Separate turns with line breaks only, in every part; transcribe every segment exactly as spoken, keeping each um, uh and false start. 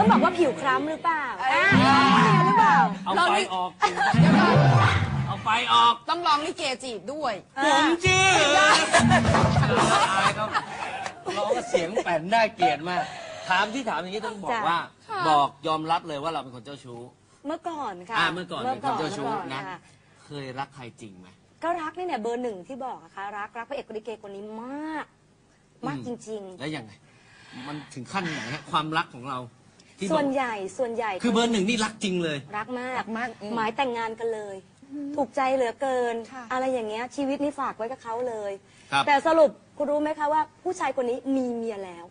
ต้องบอกว่าผิวคล้ำหรือเปล่าหรือเปล่า
เอาไฟออกเอาไฟออก
ต้องร้องลิเกจีบด้วย
ผมชื่ออายครับร้องเสียงแป่นน่าเกลียดมากถามที่ถามอย่างนี้ต้องบอกว่าบอกยอมรับเลยว่าเราเป็นคนเจ้าชู้
เมื่อก่อนค่ะ
เมื่อก่อนเป็นคนเจ้าชู้นะเคยรักใครจริงไหม
ก็รักนี่เนี่ยเบอร์หนึ่งที่บอกอะค่ะรักรักพระเอกลิเกคนนี้มากมากจริงๆ
แล้วยังไงมันถึงขั้นไหนฮะความรักของเรา
ส่วนใหญ่ส่วนใหญ่
คือเบอร์หนึ่งนี่รักจริงเลย
รักมากหมายแต่งงานกันเลยถูกใจเหลือเกินอะไรอย่างเงี้ยชีวิตนี้ฝากไว้กับเขาเลยแต่สรุปคุณรู้ไหมคะว่าผู้ชายคนนี้มีเมียแล้ว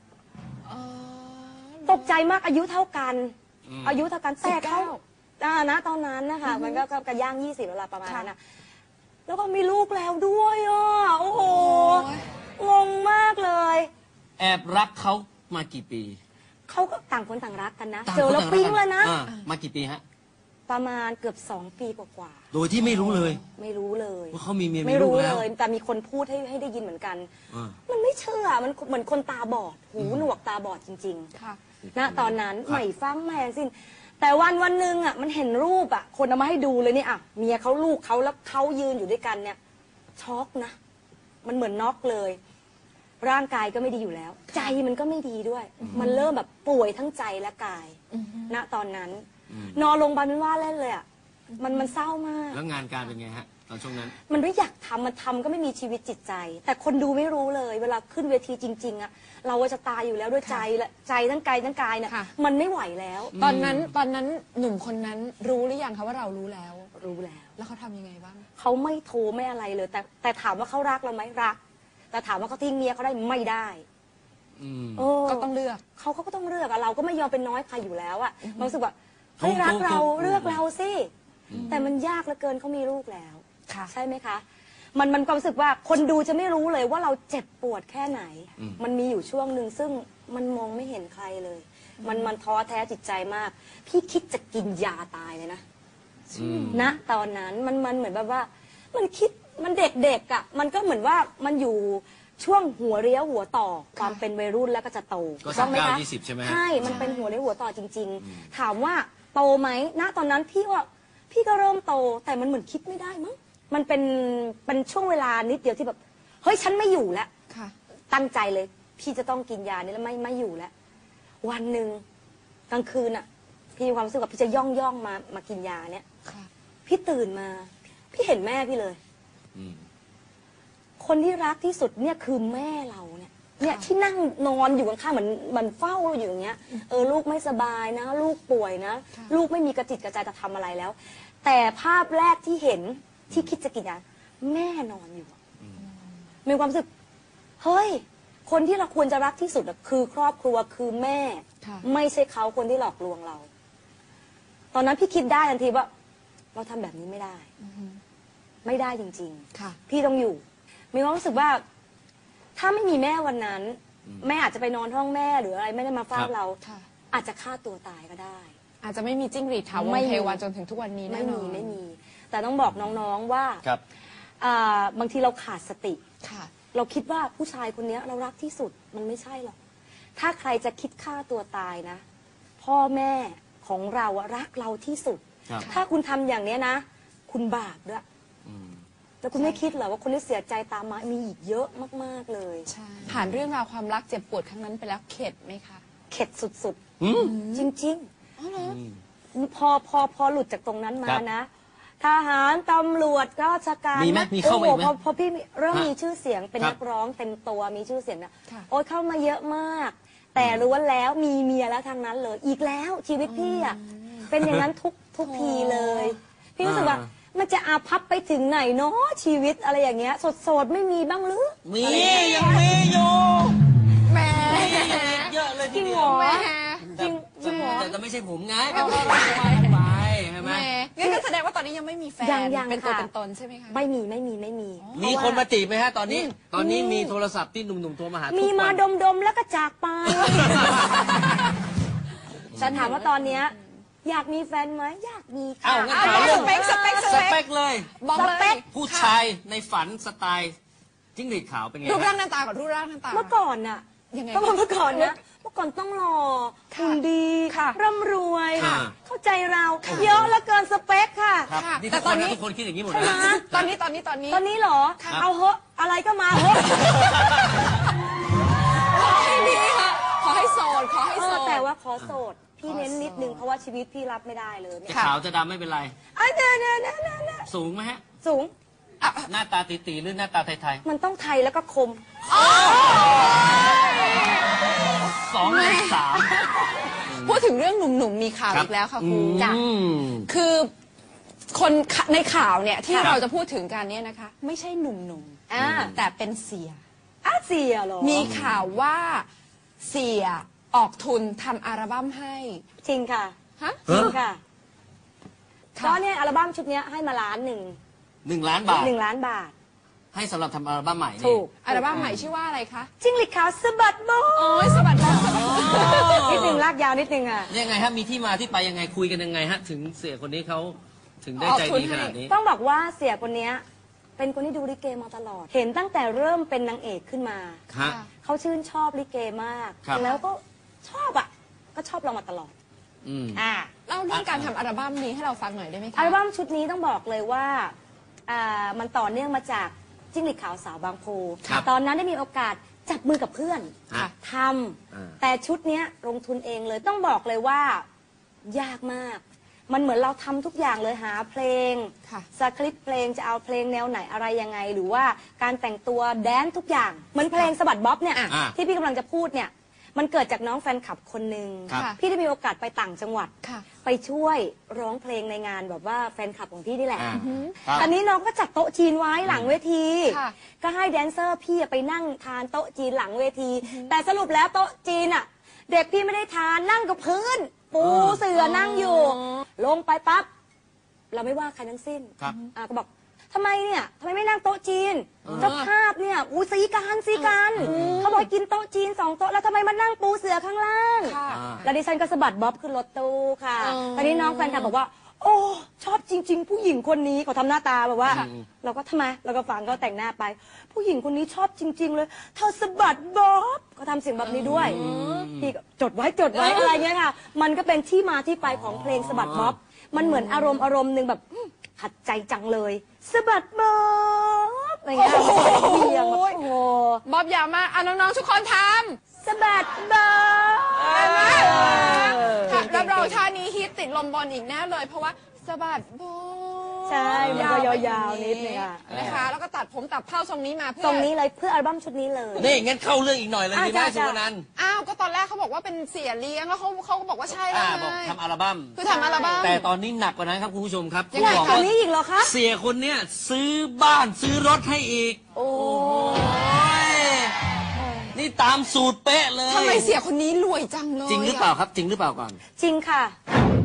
ตกใจมากอายุเท่ากันอายุเท่ากันแต่เขาณตอนนั้นนะคะมันก็กระย่างยี่สิบเวลาประมาณนั้นนะแล้วก็มีลูกแล้วด้วยอ่ะโอ้โหงงมากเลย
แอบรักเขามากี่ปี
เขาก็ต่างคนต่างรักกันนะเจอแล้วปิ๊งเลยนะ
มากี่ปีฮะ
ประมาณเกือบสองปีกว่า
ๆโดยที่ไม่รู้เลย
ไม่รู้เลย
ว่าเขามีเมีย
ไม่รู้เลยแต่มีคนพูดให้ให้ได้ยินเหมือนกันมันไม่เชื่อมันเหมือนคนตาบอดหูหนวกตาบอดจริงๆค่ะณตอนนั้นไม่ฟังแม่สิ้นแต่วันวันหนึ่งอ่ะมันเห็นรูปอ่ะคนเอามาให้ดูเลยเนี่ยอ่ะเมียเขาลูกเขาแล้วเขายืนอยู่ด้วยกันเนี่ยช็อกนะมันเหมือนน็อกเลยร่างกายก็ไม่ดีอยู่แล้วใจมันก็ไม่ดีด้วยมันเริ่มแบบป่วยทั้งใจและกายณตอนนั้นนอนโรงพยาบาลเป็นว่าเล่นเลยอ่ะมันมันเศร้ามาก
แล้วงานการเป็นไงฮะตอนช่วงนั้น
มันไม่อยากทำมันทำก็ไม่มีชีวิตจิตใจแต่คนดูไม่รู้เลยเวลาขึ้นเวทีจริงๆอ่ะเราจะตายอยู่แล้วด้วยใจและใจทั้งกายทั้งกายเนี่ยมันไม่ไหวแล้ว
ตอนนั้นตอนนั้นหนุ่มคนนั้นรู้หรือยังคะว่าเรารู้แล้ว
รู้แล้ว
แล้วเขาทำยังไงบ้าง
เขาไม่โทรไม่อะไรเลยแต่แต่ถามว่าเขารักเราไหมรักแต่ถามว่าเขาทิ้งเมียเขาได้ไม่ได้
ก็ต้องเลือก
เขาเขาก็ต้องเลือกอะเราก็ไม่ยอมเป็นน้อยใครอยู่แล้วอะมันรู้สึกว่าเฮ้ยรักเราเลือกเราสิแต่มันยากเหลือเกินเขามีลูกแล้วใช่ไหมคะมันมันความรู้สึกว่าคนดูจะไม่รู้เลยว่าเราเจ็บปวดแค่ไหนมันมีอยู่ช่วงหนึ่งซึ่งมันมองไม่เห็นใครเลยมันมันท้อแท้จิตใจมากพี่คิดจะกินยาตายเลยนะณตอนนั้นมันมันเหมือนแบบว่ามันคิดมันเด็กๆอ่ะมันก็เหมือนว่ามันอยู่ช่วงหัวเลี้ยวหัวต่อความเป็นวัยรุ่นแล้วก็จะโต
ใช่ไหมคะ
ใช่มันเป็นหัวเลี้ยวหัวต่อจริงๆถามว่าโตไหมณตอนนั้นพี่ว่าพี่ก็เริ่มโตแต่มันเหมือนคิดไม่ได้มั้งมันเป็นเป็นช่วงเวลานิดเดียวที่แบบเฮ้ยฉันไม่อยู่แล้วตั้งใจเลยพี่จะต้องกินยานี้แล้วไม่ไม่อยู่แล้ววันหนึ่งกลางคืนอ่ะพี่มีความรู้สึกว่าพี่จะย่องย่องมามากินยาเนี้ยพี่ตื่นมาพี่เห็นแม่พี่เลยคนที่รักที่สุดเนี่ยคือแม่เราเนี่ยเนี่ยที่นั่งนอนอยู่ข้างๆเหมือนมันเฝ้าอยู่อย่างเงี้ยเออลูกไม่สบายนะลูกป่วยนะลูกไม่มีกระจิตกระใจจะทำอะไรแล้วแต่ภาพแรกที่เห็นที่คิดจะกินยาแม่นอนอยู่มีความรู้สึกเฮ้ยคนที่เราควรจะรักที่สุดคือครอบครัวคือแม่ไม่ใช่เขาคนที่หลอกลวงเราตอนนั้นพี่คิดได้ทันทีว่าเราทำแบบนี้ไม่ได้ไม่ได้จริงๆพี่ต้องอยู่มีความรู้สึกว่าถ้าไม่มีแม่วันนั้นแม่อาจจะไปนอนห้องแม่หรืออะไรไม่ได้มาเฝ้าเราอาจจะฆ่าตัวตายก็ได้
อาจจะไม่มีจิ้งหรีดถาวรเทวันจนถึงทุกวันนี้แน่นอน
ไม่มีแต่ต้องบอกน้องๆว่าบางทีเราขาดสติเราคิดว่าผู้ชายคนนี้เรารักที่สุดมันไม่ใช่หรอกถ้าใครจะคิดฆ่าตัวตายนะพ่อแม่ของเรารักเราที่สุดถ้าคุณทำอย่างนี้นะคุณบาปด้วยแล้วคุณไม่คิดเหรอว่าคนที่เสียใจตามมามีอีกเยอะมากๆเลย
ผ่านเรื่องราวความรักเจ็บปวดครั้งนั้นไปแล้วเข็ดไหมคะ
เข็ดสุดๆจริงๆพอพอพอหลุดจากตรงนั้นมานะทหารตำรวจราชการ
มีไหมมีเข้ามาไหม
พอพี่เริ่มมีชื่อเสียงเป็นนักร้องเต็มตัวมีชื่อเสียงนะโอ๊ยเข้ามาเยอะมากแต่รู้ว่าแล้วมีเมียแล้วทางนั้นเลยอีกแล้วชีวิตพี่อ่ะเป็นอย่างนั้นทุกทุกทีเลยพี่รู้สึกว่ามันจะอาภัพไปถึงไหนเนาะชีวิตอะไรอย่างเงี้ยสดๆไม่มีบ้างหรือ
มียังมีอยู่
แม่
เยอะเลย
จริงเหรอจริงจริงเหรอ
แต่ไม่ใช่ผมไงก็ไปไปใช่ไหม
งั้นก็แสดงว่าตอนนี้ยังไม่มีแฟนเป็นตัวเป็นตนใช่ไหมคะ
ไม่มีไม่มีไม่มี
มีคนมาจีบไหมฮะตอนนี้ตอนนี้มีโทรศัพท์ที่หนุ่มๆโทรมาหา
มีมาดมๆแล้วก็จากไปฉันถามว่าตอนเนี้ยอยากมีแฟนไหมอยากมีค่ะ
เอาสเปคสเปคสเปคเลย
บอกเลย
ผู้ชายในฝันสไตล์จิ้งหรีดขาวเป็นไง
รูปร่างหน้าตากับรูปร่างหน้าตา
เมื่อก่อนน่ะยังไงก็เมื่อก่อนนะเมื่อก่อนต้องหล่อหุ่นดี
ค่ะ
ร่ำรวย
ค่ะ
เข้าใจเราเยอะเหลือเกินสเปคค่ะ
ครับ
ค่ะ
นี่
แต่
ทุก
ต
ค
อน
น
นี้
นะทุกคนคิดอย่างนี้หมด
ใช่ไหม
นะ
ตอนนี้ตอนนี้ตอนนี้
ตอนนี้เหรอ
ค่ะ
เอาเหอะอะไรก็มาเหอะ
ขอให้ดีค่ะ ขอให้โสด ขอให้
เอ
โส
อ
ด
แต่ว่าขอโสด พี่
ขอ
เน้นนิดนึง
โสด
เพราะว่าชีวิตพี่รับไม่ได้เลย
จะ
เนี่ย
ขาวจะดำไม่เป็นไร
ไอ้เนี่ยเนี่ยเนี่ยเนี่ยเนี่ย
สูงไหมฮะ
สูง
หน้าตาตีๆหรือหน้าตาไทย
มันต้องไทยแล้วก็คม
ๆสองในสาม
พูดถึงเรื่องหนุ่มๆมีข่าวอีกแล้วค่ะครู
จ้ะ
คือคนในข่าวเนี่ยที่
ครับ
เราจะพูดถึงกันเนี่ยนะคะ ไม่ใช่หนุ่ม
อ่า
ๆแต่เป็นเสีย
อาเซียเหรอ
มีข่าวว่าเสียออกทุนทำอัลบั้มให้
จริงค่ะ
ฮะ
จริงค่ะ
ค่ะ
ก็เนี่ยอัลบั้มชุดเนี้ยให้มาล้านหนึ่ง
หนึ่งล้านบาท
หนึ่งล้านบาท
ให้สำหรับทำอัลบั้มใหม่นี่
ถูก
อัลบั้มใหม่ชื่อว่าอะไรคะ
จิ้งหรีดขาวสะบัดโบ
โอ้ยสวัสดีค่ะ
นิดนึงลากยาวนิดนึงอ่ะ
ยังไงฮะมีที่มาที่ไปยังไงคุยกันยังไงฮะ ถึงเสียคนนี้เขาถึงได้ใจดีขนาดนี้
ต้องบอกว่าเสียคนเนี้ยเป็นคนที่ดูลิเกมาตลอด เห็นตั้งแต่เริ่มเป็นนางเอกขึ้นมา
ฮะ
เขาชื่นชอบลิเกมาก
ครับ
แล้วก็ชอบอ่ะ ก็ชอบเรามาตลอด
อืม
อ่า
เล่าเรื่องการทำอัลบั้มนี้ให้เราฟังหน่อยได้ไหมคะ
อัลบั้มชุดนี้ต้องบอกเลยว่าอ่ามันต่อเนื่องมาจากจิ้งหรีดขาวสาวบางโพ
ครับ
ตอนนั้นได้มีโอกาสจับมือกับเพื่อน
ค่ะ
ท
อ่า
ำแต่ชุดเนี้ยลงทุนเองเลยต้องบอกเลยว่ายากมาก มันเหมือนเราทำทุกอย่างเลยหาเพลง
ค่ะ
สคริปต์เพลงจะเอาเพลงแนวไหนอะไรยังไง หรือว่าการแต่งตัวแดนซ์ทุกอย่างเหมือนเพลงสะบัดบ๊อบเนี่ย
อ่ะ
อ่ะ
ที่พี่กำลังจะพูดเนี่ยมันเกิดจากน้องแฟนคลับคนหนึ่ง
ครับ
พี่ได้มีโอกาสไปต่างจังหวัด
ค่ะ
ไปช่วยร้องเพลงในงานแบบว่าแฟนคลับของพี่นี่แหละ
อ่าครับ
ตอนนี้น้องก็จัดโต๊ะจีนไว้หลังเวที
ค่ะ
ก็ให้แดนเซอร์พี่ไปนั่งทานโต๊ะจีนหลังเวที แต่สรุปแล้วโต๊ะจีนอ่ะ เด็กพี่ไม่ได้ทานนั่งกับพื้น ปูเสื่อนั่งอยู่ ลงไปปั๊บเราไม่ว่าใครทั้งสิ้น
ครับ
อ่าก็บอกทำไมเนี่ยทำไมไม่นั่งโต๊ะจีนเจ้าภาพเนี่ยอู้สีกันสีกันเขาบอกให้กินโต๊ะจีนสองโต๊ะแล้วทำไมมานั่งปูเสือข้างล่าง
ค่ะ
อ่า
แล้วดิฉันก็สะบัดบ๊อบขึ้นรถตู้ค่ะ
อ๋อ
ตอนนี้น้องแฟนคลับบอกว่า โอ้ชอบจริง ๆ ผู้หญิงคนนี้เขาทำหน้าตาแบบว่า เราก็ทำไมเราก็ฟังเขาแต่งหน้าไป ผู้หญิงคนนี้ชอบจริง ๆ เลยเธอสะบัดบ๊อบเขาทำเสียงแบบนี้ด้วยพี่ก็จดไว้จดไว้อะไรเงี้ยค่ะ มันก็เป็นที่มาที่ไปของเพลงสะบัดบ๊อบมันเหมือนอารมณ์อารมณ์หนึ่งแบบอื้อขัดใจจังเลยสะบัดบ๊อบอะไรเงี้ยเบียงแบบโอ้โห
บ๊อบยาวมากอ่ะน้องๆทุกคนทำ
สะบัดบ๊อบ
ค่ะรับรองท่านี้ฮิตติดลมบอลอีกแน่เลย เพราะว่าสะบัดโบ
ใช่มันก็
ไป
ยาวๆนิดนึงอะ
นะคะ แล้วก็ตัดผมตัดเผ้าทรงนี้มาเพื่อ
ตรงนี้เลยเพื่ออัลบั้มชุดนี้เลย
นี่งั้นเข้าเรื่องอีกหน่อยเลย
อ่ะ
ดีไหม
จ้ะ
สุวรรณันท์
อ้าว ก็ตอนแรกเขาบอกว่าเป็นเสียเลี้ยง แล้วเขาเขาก็บอกว่าใช่แล้
อ่าว บอก
ไง
ทำอัลบั้ม
คือทำอัลบั้ม
แต่ตอนนี้หนักกว่านั้นครับคุณผู้ชมครับ
ยังไง
บอก
ตร
ว่าง
นี้อีกเหรอคะ
เสียคนเนี้ยซื้อบ้านซื้อรถให้อีก
โอ้
โอ้ยนี่ตามสูตรเป๊ะเลย
ทำไมเสียคนนี้รวยจังเลย
จริงหรือเปล่าครับ จริงหรือเปล่าก่อน
จริงค่ะ